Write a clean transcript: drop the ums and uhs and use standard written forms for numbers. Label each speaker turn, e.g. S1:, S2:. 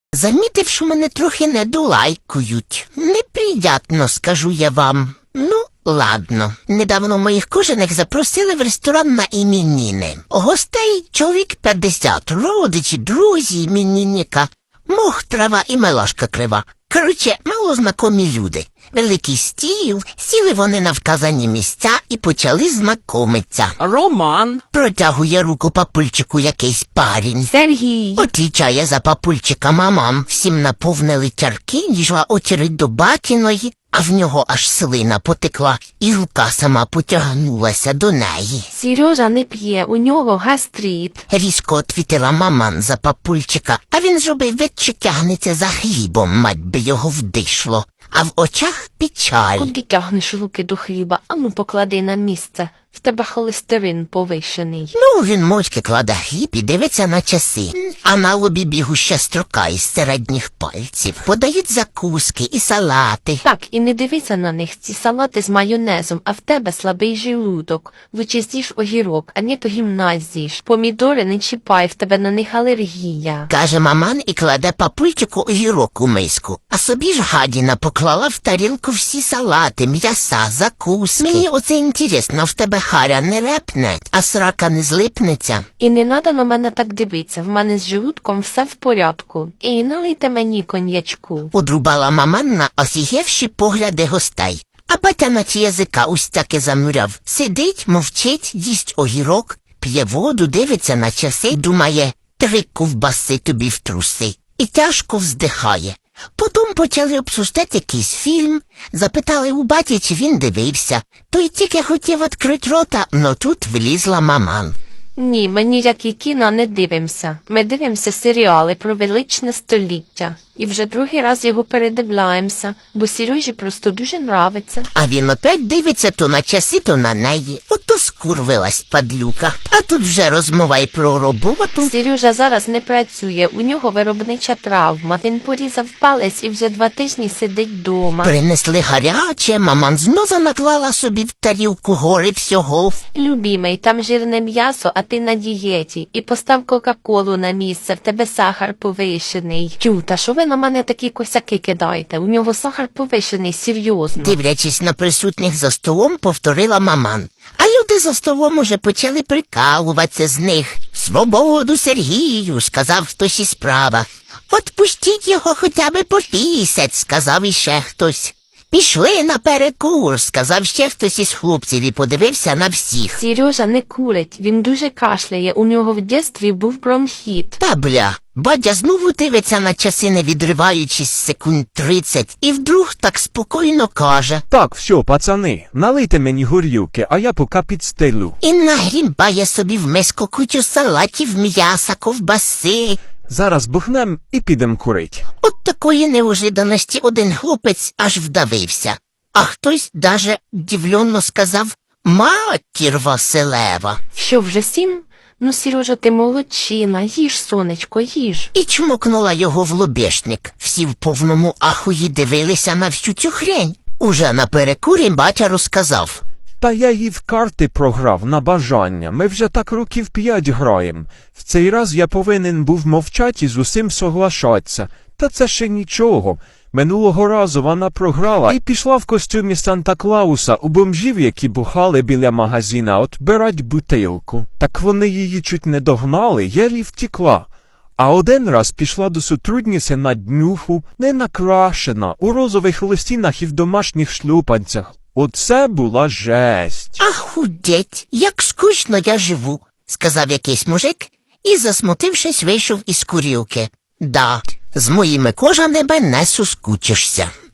S1: Замітив, що мене трохи недолайкують. Неприятно, скажу я вам. Ну, ладно. Недавно моїх кожаних запросили в ресторан на іменини. Гостей чоловік 50, родичі, друзі іменинника. Мох, трава і мелашка крива. Короче, малознакомі люди. Великий стіл, сіли вони на вказані місця і почали знайомитися.
S2: Роман.
S1: Протягує руку папульчику якийсь парень.
S2: Сергій.
S1: Отвічає за папульчика мамам. Всім наповнили чарки, дійшла очередь до батіної, а в нього аж слина потекла, і рука сама потягнулася до неї.
S2: Сережа не п'є, у нього гастрит.
S1: Різко отвітила маман за папульчика, а він зробив вид, що тягнеться за хлібом, мать би його вдишло. А в очах печаль.
S2: Куди тягнеш руки до хліба? Ану поклади на місце. В тебе холестерин повищений.
S1: Ну, він мовчки кладе хліб і дивиться на часи. А на лобі бігуща строка із середніх пальців. Подають закуски і салати.
S2: Так, і не дивися на них, ці салати з майонезом, а в тебе слабий желудок. Лучше з'їж огірок, а не то гімназіш. Помідори не чіпай, в тебе на них алергія.
S1: Каже маман і кладе папульчику огірок у миску. А собі ж гадіна поклала в тарілку всі салати, м'яса, закуски. Мені оце інтересно, в тебе харя не репне, а срака не злипнеться.
S2: І не надо на мене так дивитися, в мене з желудком все в порядку. І налийте мені коньячку.
S1: Одрубала маман на осігевші погляди гостей. А батя наче язика ось таки замуряв. Сидить, мовчить, їсть огірок, п'є воду, дивиться на часи, думає, 3 ковбаси тобі в труси. І тяжко вздихає. Потім почали обсуждати якийсь фільм, запитали у баті, чи він дивився. Той тільки хотів відкрити рота, но тут влізла маман.
S2: Ні, ми ніякі кіно не дивимося. Ми дивимося серіали про величне століття. І вже другий раз його передивляємося, бо Сережі просто дуже нравиться.
S1: А він опять дивиться то на часи, то на неї. Ото скурвилась падлюка. А тут вже розмова й про роботу.
S2: Сережа зараз не працює, у нього виробнича травма. Він порізав палець і вже 2 тижні сидить вдома.
S1: Принесли гаряче, маман знову наклала собі в тарілку гори всього.
S2: Любімий, там жирне м'ясо, а ти на дієті. І постав Кока-Колу на місце, в тебе сахар повищений. Тю, та що ви на мене такі косяки кидаєте? У нього сахар повищений, серйозно.
S1: Дивлячись на присутніх за столом, повторила маман. А люди за столом уже почали прикалуватися з них. «Свободу Сергію», – сказав хтось із права. «Отпустіть його хоча б по місяць», – сказав іще хтось. «Пішли на перекур», – сказав ще хтось із хлопців і подивився на всіх.
S2: Сережа не курить, він дуже кашляє, у нього в дєстві був бронхіт.
S1: Та бля, батя знову дивиться на часи, не відриваючись секунд 30, і вдруг так спокійно каже.
S3: Так, все, пацани, налийте мені горілки, а я поки підстелю.
S1: І нагрібає собі в миску кучу салатів, м'яса, ковбаси.
S3: Зараз бухнем і підем курить.
S1: От такої неожиданості один хлопець аж вдавився. А хтось даже дивленно сказав «Матір Василева».
S2: Що, вже 7? Ну, Сережа, ти молодчина, їж, сонечко, їж.
S1: І чмокнула його в лобешник. Всі в повному ахуї дивилися на всю цю хрень. Уже на перекурі батя розказав.
S3: Та я їй в карти програв на бажання. Ми вже так років 5 граєм. В цей раз я повинен був мовчати і з усім соглашатися. Та це ще нічого. Минулого разу вона програла і пішла в костюмі Санта-Клауса у бомжів, які бухали біля магазина, отбирать бутилку. Так вони її чуть не догнали, єлі втекла. А один раз пішла до сотрудниці на днюху, не накрашена, у розових листінах і в домашніх шлюпанцях. Оце була жесть.
S1: «Ахудеть, як скучно я живу», – сказав якийсь мужик і, засмутившись, вийшов із курілки. «Да, з моїми кожаними не соскучишся».